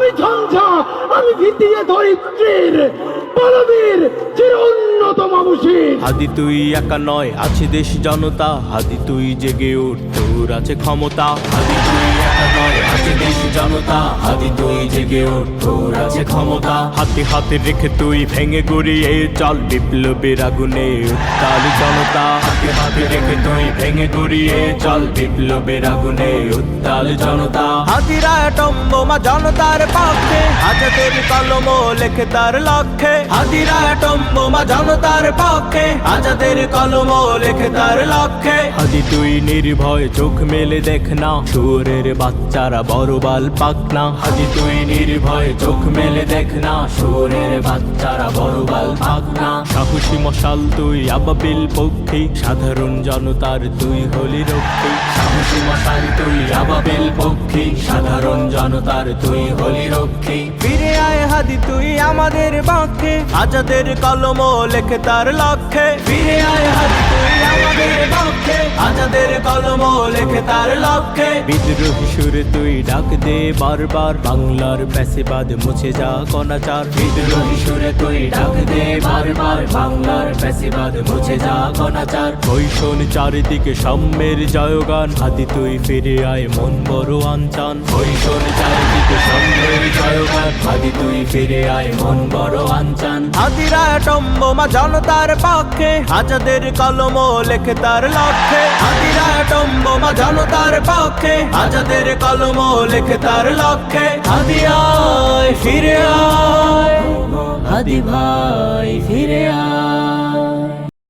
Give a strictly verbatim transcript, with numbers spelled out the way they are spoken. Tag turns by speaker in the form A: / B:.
A: আমি ঝঞ্ঝা, আমি ভিতিয়ে ধরিত্রীর বলবীর চির উন্নত মাবুসির।
B: হাদি তুই একা নয়, আছে দেশ জনতা, হাদি তুই জেগে উঠ, তোর আছে ক্ষমতা। হাদি তুই একা নয়, আছে দেশ জনতা, হাদি তুই জেগে উঠ, তোর আছে ক্ষমতা। হাতে হাতে রেখে তুই ভেঙে গড়িয়ে চল, বিপ্লবের আগুনে উত্তাল জনতা। হাতে হাতে রেখে তুই ভেঙে গড়িয়ে চল, বিপ্লবের আগুনে উত্তাল জনতা। হাতিরা টম্বোমা জনতার পক্ষে, আজাদের কলম লেখে তার লক্ষ্যে। হাতিরা টম্বোমা জনতার পক্ষে, আজাদের কলম লেখে তার লক্ষ্যে। হাদি তুই নির্ভয় চোখ মেলে দেখ না, শুয়োরের বাচ্চারা বড় বাল পাক না। হাদি তুই নির্ভয় চোখ মেলে দেখ না, শুয়োরের বাচ্চারা বড় বাল পাক না। সাহসী মশাল তুই আবাবিল পক্ষী, সাধারণ জনতার তুই হলি রক্ষী। সাহসী মশাল তুই আবাবিল পক্ষী, সাধারণ জনতার তুই হলি রক্ষী। ফিরে আয় হাদি তুই আমাদের পক্ষে, আজাদের কলম লেখে তার লক্ষ্যে। ফিরে আয় হাদি তুই আমাদের পক্ষে, আজাদের কলম লেখে তার লক্ষ্যে। বিদ্রোহী সুরে তুই ডাক দে বারবার, বাংলার প্যাসেবাদ মুছে যা অনাচার। বিদ্রোহী সুরে তুই ডাক দে বারবার, বাংলার প্যাসেবাদ মুছে যা অনাচার। ওই শোন চারিদিকে সাম্যের জয়গান, হাদি তুই ফিরে আয় মন বড় আনচান। ওই শোন চারিদিকে সাম্যের জয়গান, হাদি তুই ফিরে আয় মন বড় আনচান। হাদিরা টম্বোমা জনতার পক্ষে, আজাদের কলম লেখে তার লক্ষ্যে। হাদিরা টম্বোমা জনতার পক্ষে, আজাদের কলম লেখে তার লক্ষ্যে। হাদি আয় ফিরে আয়, হাদি ভাই ফিরে আয়।